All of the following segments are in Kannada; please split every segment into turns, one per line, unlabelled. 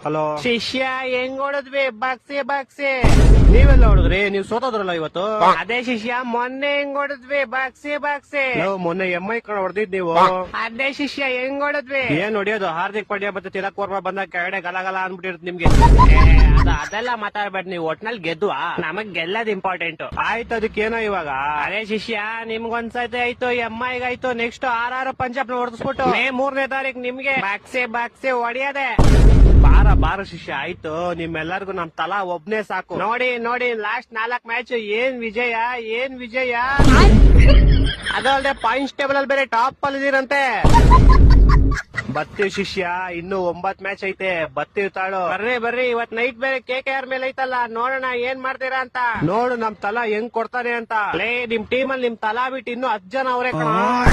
ಹಲೋ ಶಿಷ್ಯ ಹೆಂಗ್ ಹೊಡದ್ವಿ ಬಾಕ್ಸೆ ಬಾಕ್ಸೆ ನೀವೆಲ್ಲ ಹೊಡದ್ರಿ? ನೀವ್ ಸೋತೋದ್ರಲ್ಲ ಇವತ್ತು. ಅದೇ ಶಿಷ್ಯ ಮೊನ್ನೆ ಹೆಂಗ್ ಹೊಡದ್ವಿ ಬಾಕ್ಸೆ ಬಾಕ್ಸೆ. ಮೊನ್ನೆ MI ಕಣ ಹೊಡೆದಿದ್ ನೀವು. ಅದೇ ಶಿಷ್ಯ ಹೆಂಗ್ ಹೊಡದ್ವಿ? ಏನ್ ಹೊಡಿಯೋದು? ಹಾರ್ದಿಕ್ ಪಾಂಡ್ಯ ಮತ್ತೆ ತಿಲಕ್ ವರ್ಮಾ ಬಂದಾಗ ಕೆಳಗಡೆ ಗಲಗಲ ಅನ್ಬಿಟ್ಟಿರುತ್ತೆ ನಿಮ್ಗೆ. ಅದೆಲ್ಲ ಮಾತಾಡ್ಬೇಡಿ ನೀವು. ಒಟ್ನಲ್ಲಿ ಗೆದ್ವಾ, ನಮಗ್ ಗೆಲ್ಲದ್ ಇಂಪಾರ್ಟೆಂಟ್. ಆಯ್ತು, ಅದಕ್ಕೇನೋ ಇವಾಗ. ಅದೇ ಶಿಷ್ಯ ನಿಮ್ಗೊಂದ್ಸತಿ ಆಯ್ತು, MI ಆಯ್ತು, ನೆಕ್ಸ್ಟ್ RR ಪಂಜಾಬ್ ನ ಹೊಡೆದ್ಬಿಟ್ಟು ಮೇ 3ನೇ ತಾರೀಕು ನಿಮ್ಗೆ ಬಾಕ್ಸೆ ಬಾಕ್ಸೆ ಹೊಡಿಯದೆ. ಬಾರ ಶಿಷ್ಯ ಆಯ್ತು, ನಿಮ್ಮೆಲ್ಲರಿಗೂ ನಮ್ ತಲಾ ಒಬ್ನೇ ಸಾಕು. ನೋಡಿ ನೋಡಿ ಲಾಸ್ಟ್ 4 ಮ್ಯಾಚ್ ಏನ್ ವಿಜಯ, ಏನ್ ವಿಜಯ. ಅದಲ್ಲದೆ ಪಾಯಿಂಟ್ಸ್ ಟೇಬಲ್ ಅಲ್ಲಿ ಬೇರೆ ಟಾಪ್ ಅಲ್ಲಿ ಇದೀರಂತೆ. ಬರ್ತೀವಿ ಶಿಷ್ಯ, ಇನ್ನು 9 ಮ್ಯಾಚ್ ಐತೆ, ಬರ್ತೀವಿ ತಾಳು. ಬರ್ರಿ ಇವತ್ ನೈಟ್ ಬೇರೆ KKR ಮೇಲೆ ಐತಲ್ಲ, ನೋಡೋಣ ಏನ್ ಮಾಡ್ತೀರಾ ಅಂತ. ನೋಡು ನಮ್ ತಲಾ ಹೆಂಗ್ ಕೊಡ್ತಾನೆ ಅಂತ. ನಿಮ್ ಟೀಮ್ ಅಲ್ಲಿ ನಿಮ್ ತಲಾ ಬಿಟ್ಟು ಇನ್ನು 10 ಜನ ಅವ್ರೆ ಕಣ.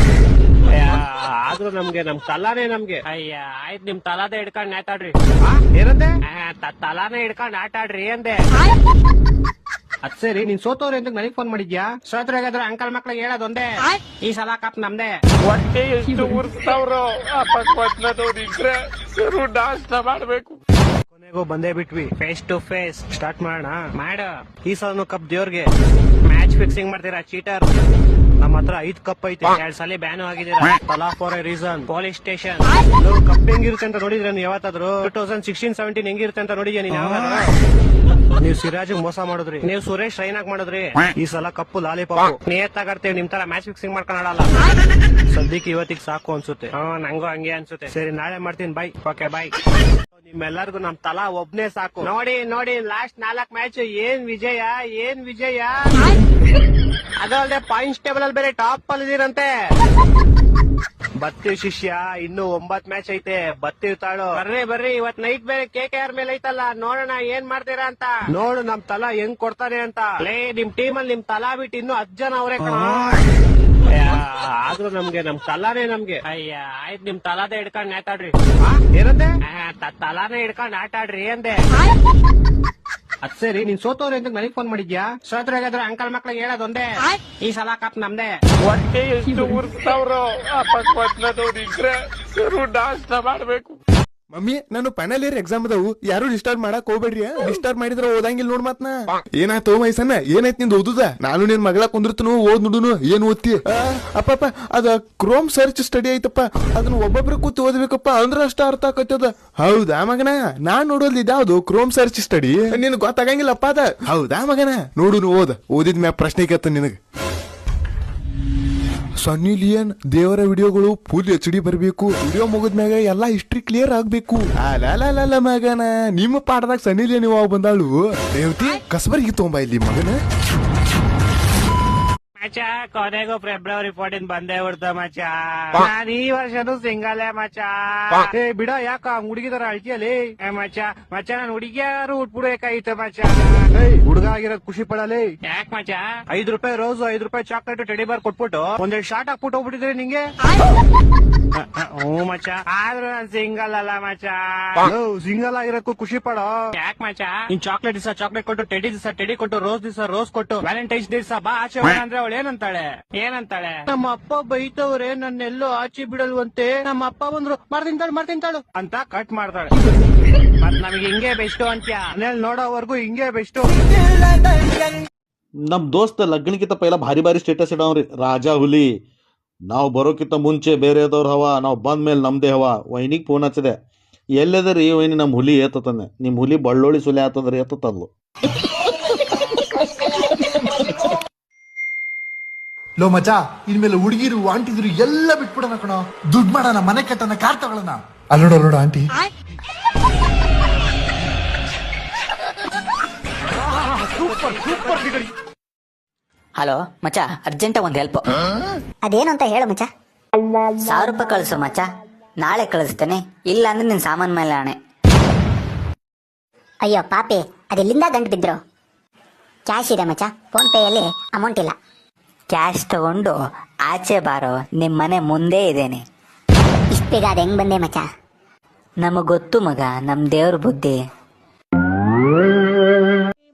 ಆದ್ರೂ ನಮ್ ತಲಾನೇ ನಮ್ಗೆ. ಅಯ್ಯ ಆಯ್ತು, ನಿಮ್ ತಲಾದೇ ಹಿಡ್ಕೊಂಡ್ ಆಟಾಡ್ರಿ. ಏನಂದೆ? ತಲಾನೇ ಹಿಡ್ಕೊಂಡ್ ಆಟಾಡ್ರಿ ಅಂದೆ. ಅದ್ ಸರಿ, ನೀನ್ ಸೋತವ್ರೆ ಅಂತ ನನಗ್ ಫೋನ್ ಮಾಡಿದ್ಯಾ? ಸೋತ್ರಾಗಾದ್ರೆ ಅಂಕಲ್ ಮಕ್ಳಿಗೆ ಹೇಳೋದೊಂದೇ, ಈ ಸಲ ಕಪ್ ನಮ್ದೇ.
ಹೊಟ್ಟೆ ಎಷ್ಟು ಉರ್ಸ್ತಾವ್ರೋ ಇದ್ರೆ ನಾಷ್ಟ ಮಾಡ್ಬೇಕು.
ಕೊನೆಗೂ ಬಂದೇ ಬಿಟ್ವಿ, ಫೇಸ್ ಟು ಫೇಸ್ ಸ್ಟಾರ್ಟ್ ಮಾಡೋಣ. ಈ ಸಲ ಕಪ್ ದೇವ್ರಿಗೆ. ಮ್ಯಾಚ್ ಫಿಕ್ಸಿಂಗ್ ಮಾಡ್ತೀರಾ ಚೀಟರ್? ನಮ್ಮ ಹತ್ರ 5 ಕಪ್ ಐತೆ, 2 ಸಲ ಬ್ಯಾನ್ ಆಗಿದ್ದೀರಾ. Thala for a reason. Police station. Cup ಹೆಂಗಿರುತ್ತೆ ಅಂತ ನೋಡಿದ್ರೆ ನೀವು ಯಾವತ್ತಾದ್ರು? 2016-17 ಹೆಂಗಿರುತ್ತೆ ಅಂತ ನೋಡಿದ್ಯಾ ನೀನ್ ಯಾವಾಗಾದ್ರು? ನೀವು ಸಿರಾಜ್ ಮೋಸ ಮಾಡಿದ್ರಿ, ನೀವು ಸುರೇಶ್ ರೈನಾಗ್ ಮಾಡಿದ್ರಿ. ಈ ಸಲ ಕಪ್ಪು ಲಾಲಿಪಾಪ್ ನಿಯತ್ತಾಗಿರ್ತೀವಿ. ನಿಮ್ ತರ ಮ್ಯಾಚ್ ಫಿಕ್ಸಿಂಗ್ ಮಾಡ್ಕೊಂಡಲ್ಲ. ಸದ್ಯಕ್ಕೆ ಇವತ್ತಿಗೆ ಸಾಕು ಅನ್ಸುತ್ತೆ. ನಂಗೂ ಹಂಗೆ ಅನ್ಸುತ್ತೆ. ಸರಿ, ನಾಳೆ ಮಾಡ್ತೀನಿ. ಬೈ. Okay bye. ನಿಮ್ಮೆಲ್ಲರಿಗೂ ನಮ್ ತಲಾ ಒಬ್ನೇ ಸಾಕು. ನೋಡಿ ನೋಡಿ ಲಾಸ್ಟ್ 4 ಮ್ಯಾಚ್ ಏನ್ ವಿಜಯ, ಏನ್ ವಿಜಯ. ಅದಲ್ಲದೆ ಪಾಯಿಂಟ್ಸ್ ಟೇಬಲ್ ಅಲ್ಲಿ ಬೇರೆ ಟಾಪ್ ಅಲ್ಲಿ ಇದೀರಂತೆ. ಬರ್ತೀವಿ ಶಿಷ್ಯ, ಇನ್ನು 9 ಮ್ಯಾಚ್ ಐತೆ, ಬರ್ತೀವಿ ತಾಳು. ಬರ್ರಿ ಇವತ್ ನೈಟ್ ಬೇರೆ KKR ಮೇಲೆ ಐತಲ್ಲ, ನೋಡೋಣ ಏನ್ ಮಾಡ್ತೀರಾ ಅಂತ. ನೋಡು ನಮ್ ತಲಾ ಹೆಂಗ್ ಕೊಡ್ತಾನೆ ಅಂತ. ನಿಮ್ ಟೀಮ್ ಅಲ್ಲಿ ನಿಮ್ ತಲಾ ಬಿಟ್ಟು ಇನ್ನು 10 ಜನ ಅವ್ರೆ ಕಣ. ಆದ್ರೂ ನಮ್ ತಲಾನೇ ನಮ್ಗೆ. ಅಯ್ಯ ಆಯ್ತು, ನಿಮ್ ತಲಾದೇ ಹಿಡ್ಕೊಂಡ್ ಆಟಾಡ್ರಿ. ಏನಂದೆ? ತಲಾನೇ ಹಿಡ್ಕೊಂಡ್ ಆಟಾಡ್ರಿ ಅಂದೆ. ಅದ್ ಸರಿ, ನೀನ್ ಸೋತವ್ರೆ ಅಂತ ನನಗ್ ಫೋನ್ ಮಾಡಿದ್ಯಾ? ಸೋತ್ರಾಗಾದ್ರೆ ಅಂಕಲ್ ಮಕ್ಳಿಗೆ ಹೇಳೋದೊಂದೇ, ಈ ಸಲ ಕಪ್ ನಮ್ದೇ.
ಹೊಟ್ಟೆ ಎಷ್ಟು ಉರ್ಸ್ತಾವ್ರೋ ಇದ್ರೆ ನಾಷ್ಟ ಮಾಡ್ಬೇಕು.
ಮಮ್ಮಿ, ನಾನು ಫೈನಲ್ ಇಯರ್ ಎಕ್ಸಾಮ್ ಅದಾವು, ಯಾರು ಡಿಸ್ಟರ್ಬ್ ಮಾಡಕ್ ಹೋಗ್ಬೇಡ್ರಿ. ಡಿಸ್ಟರ್ಬ್ ಮಾಡಿದ್ರ ಓದಂಗಿಲ್ ನೋಡ್ ಮಾತ್ನ. ಏನಾಯ್ತು ಮೈಸನ್ನ? ಏನಾಯ್ತು ನಿಂದ ಓದುದ? ನಾನು ನಿನ್ ಮಗಳ ಕುಂದಿರ್ತನು, ಓದ್ ನುಡುನು. ಏನ್ ಓದ್ತಿ? ಅಪ್ಪ ಅದ ಕ್ರೋಮ್ ಸರ್ಚ್ ಸ್ಟಡಿ ಐತಪ್ಪ, ಅದನ್ನ ಒಬ್ಬೊಬ್ರು ಕೂತ್ ಓದ್ಬೇಕಪ್ಪ, ಅಂದ್ರ ಅಷ್ಟ ಅರ್ಥ ಆಕತ್ತದ. ಹೌದಾ ಮಗನ? ನಾನ್ ನೋಡೋದ್ ಇದ್ಯಾವ್ದು ಕ್ರೋಮ್ ಸರ್ಚ್ ಸ್ಟಡಿ? ನಿನ್ ಗೊತ್ತಾಗಂಗಿಲ್ಲಪ್ಪ ಅದ. ಹೌದಾ ಮಗನ? ನೋಡುನು, ಓದಿದ್ ಮ್ಯಾಗ ಪ್ರಶ್ನೆ ಕೇಳ್ತ ನಿನಗ. ಸನ್ನಿ ಲಿಯನ್ ದೇವರ ವಿಡಿಯೋಗಳು ಫುಲ್ HD ಬರ್ಬೇಕು. ವಿಡಿಯೋ ಮುಗಿದ್ಮ್ಯಾಗ ಎಲ್ಲಾ ಹಿಸ್ಟ್ರಿ ಕ್ಲಿಯರ್ ಆಗ್ಬೇಕು. ಅಲ್ಲ ಮಗನ, ನಿಮ್ಮ ಪಾಠದಾಗ ಸನ್ನಿ ಲಿಯನ್ ಇವಾಗ ಬಂದಾಳು. ರೇವತಿ ಕಸಬರ್ಗಿ ತೊಂಬ ಇಲ್ಲಿ ಮಗನ.
ಮಚ ಕೊನೆಗೂ ಫೆಬ್ರವರಿ 14 ಬಂದೇ ಬಿಡ್ತ ಮಚ. ನಾನ್ ಈ ವರ್ಷನೂ ಸಿಂಗಲ್ಲೇ ಮಚ. ಬಿಡ, ಯಾಕ ಹುಡುಗಿದಾರ ಅಳ್ತಿಯಲ್ಲಿ? ಮಚ ನಾನ್ ಹುಡುಗಿಯಾರು ಉಟ್ಬಿಡ್ಬೇಕಾಯ್ತು ಮಚ. ಹುಡುಗ ಆಗಿರೋದ್ ಖುಷಿ ಪಡಲಿ. ಯಾಕ ಮಚ? 5 ರೂಪಾಯಿ ರೋಸ್, 5 ರೂಪಾಯಿ ಚಾಕ್ಲೇಟ್, ಟೆಡಿ ಬಾರ್ ಕೊಟ್ಬಿಟ್ಟು ಒಂದೆರಡು ಶಾರ್ಟ್ ಹಾಕ್ಬಿಟ್ಟು ಹೋಗ್ಬಿಟ್ಟಿದ್ರೆ ನಿಂಗೆ. ಹ್ಞೂ ಮಚ, ಆದ್ರೂ ನಾನ್ ಸಿಂಗಲ್ ಅಲ್ಲ ಮಚ. ಸಿಂಗಲ್ ಆಗಿರೋದಕ್ಕೂ ಖುಷಿ ಪಡೋ. ಯಾಕ ಮಚ? ನೀನ್ ಚಾಕ್ಲೇಟ್ ದಿವಸ ಚಾಕ್ಲೇಟ್ ಕೊಟ್ಟು, ಟೆಡಿ ದಿವಸ ಟೆಡಿ ಕೊಟ್ಟು, ರೋಸ್ ದಿವಸ ರೋಸ್ ಕೊಟ್ಟು, ವ್ಯಾಲೆಂಟೈನ್ಸ್ ಡೇ ದಿವಸ ಬಾ ಆಚೆ ಅಂದ್ರೆ ಅವಳು ಏನಂತಾಳೆ? ನಮ್ಮ ಅಪ್ಪ ಬೈತವ್ರೆ, ನನ್ನೆಲ್ಲೋ ಆಚೆ ಬಿಡಲ್ವಂತೆ. ನಮ್ಮ ಅಪ್ಪ ಬಂದ್ರು ಮಾಡ್ತಿಂತಾಳು ಅಂತ ಕಟ್ ಮಾಡ್ತಾಳೆ. ಮತ್ ನಮಗೆ ಹಿಂಗೆ ಬೆಸ್ಟು ಅಂತ್ಯ. ಮನೇಲಿ ನೋಡೋವರೆಗೂ ಹಿಂಗೆ ಬೆಸ್ಟು.
ನಮ್ ದೋಸ್ತ ಲಗ್ನಕ್ಕಿಂತ ಪೈಲ ಭಾರಿ ಭಾರಿ ಸ್ಟೇಟಸ್ ಇಡವ್ರಿ, ರಾಜಾ ಹುಲಿ. ನಾವು ಬರೋಕ್ಕಿಂತ ಮುಂಚೆ ಬೇರೆದವ್ರ ಹವಾ, ನಾವು ಬಂದ ಮೇಲೆ ನಮ್ದೇ ಹವಾ. ವೈನಿಗೆ ಫೋನ್ ಹಚ್ಚದೆ, ಎಲ್ಲದರಿ ವೈನಿ ನಮ್ ಹುಲಿ ಏತತಾನೆ. ನಿಮ್ ಹುಲಿ ಬಳ್ಳೋಳಿ ಸುಲಿ ಆತದ್ರಿ ಏತದ್ಲು.
ಲೋ ಮಚ, ಇನ್ಮೇಲೆ ಹುಡುಗಿರು ಆಂಟಿದ್ರು ಎಲ್ಲ ಬಿಟ್ಬಿಡೋಣ ಕಣೋ. ದುಡ್ಡು ಮಾಡೋಣ, ಮನೆ ಕಟ್ಟೋಣ, ಕಾರ್ ತಗೊಳ್ಳೋಣ. ಅಲ್ಲೋಡ ಆಂಟಿ.
ಹಲೋ ಮಚ, ಅರ್ಜೆಂಟ್ ಒಂದ್ ಹೆಲ್ಪ್.
ಅದೇನು ಅಂತ ಹೇಳು ಮಚ.
1000 ರೂಪಾಯಿ ಕಳಿಸು ಮಚ, ನಾಳೆ ಕಳಿಸ್ತೇನೆ. ಇಲ್ಲ ಅಂದ್ರೆ ನಿನ್ ಸಾಮಾನ್ ಮೇಲೆ ಆಣೆ.
ಅಯ್ಯೋ ಪಾಪಿ, ಅದೆಲ್ಲಿಂದ ಗಂಟು ಬಿದ್ರು? ಕ್ಯಾಶ್ ಇದೆ ಮಚ, ಫೋನ್ ಪೇಯಲ್ಲಿ ಅಮೌಂಟ್ ಇಲ್ಲ.
ಕ್ಯಾಶ್ ತಗೊಂಡು ಆಚೆ ಬಾರೋ, ನಿಮ್ ಮನೆ ಮುಂದೆ ಇದೇನೆ.
ಇಷ್ಟ ಬೇಗ ಅದ್ ಹೆಂಗ್ ಬಂದೆ ಮಚ?
ನಮಗ್ ಗೊತ್ತು ಮಗ, ನಮ್ ದೇವ್ರ ಬುದ್ಧಿ.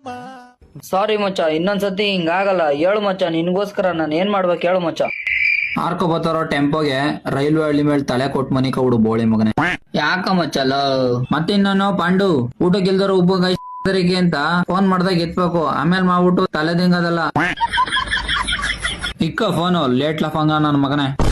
ಸಾರಿ ಮಚ್ಚ, ಇನ್ನೊಂದ್ಸತಿ ಹಿಂಗಾಗಲ್ಲ. ಹೇಳು ಮಚ್ಚ, ನಿನ್ಗೋಸ್ಕರ ನಾನು ಏನ್ ಮಾಡ್ಬೇಕು ಹೇಳು ಮಚ್ಚ. ಹಾರ್ಕೊ ಬತ್ತಾರೋ ಟೆಂಪೋಗೆ ರೈಲ್ವೆ ಹಳ್ಳಿ ಮೇಲೆ ತಲೆ ಕೊಟ್ಟು ಮನಿ ಕೌಡು ಬೋಳಿ ಮಗನೆ. ಯಾಕ ಮಚ್ಚಲ್ಲ ಮತ್ತಿನ್ನೋ ಪಾಂಡು ಊಟಕ್ಕಿಲ್ದಾರ ಉಪ್ಪು ಅಂತ ಫೋನ್ ಮಾಡ್ದಾಗ ಎತ್ಬೇಕು, ಆಮೇಲೆ ಮಾಡ್ಬಿಟ್ಟು ತಲೆ ದಿಂಗದಲ್ಲ. ಇಕ್ಕ ಫೋನು ಲೇಟ್ ಲಫಂಗ ನನ್ ಮಗನೇ.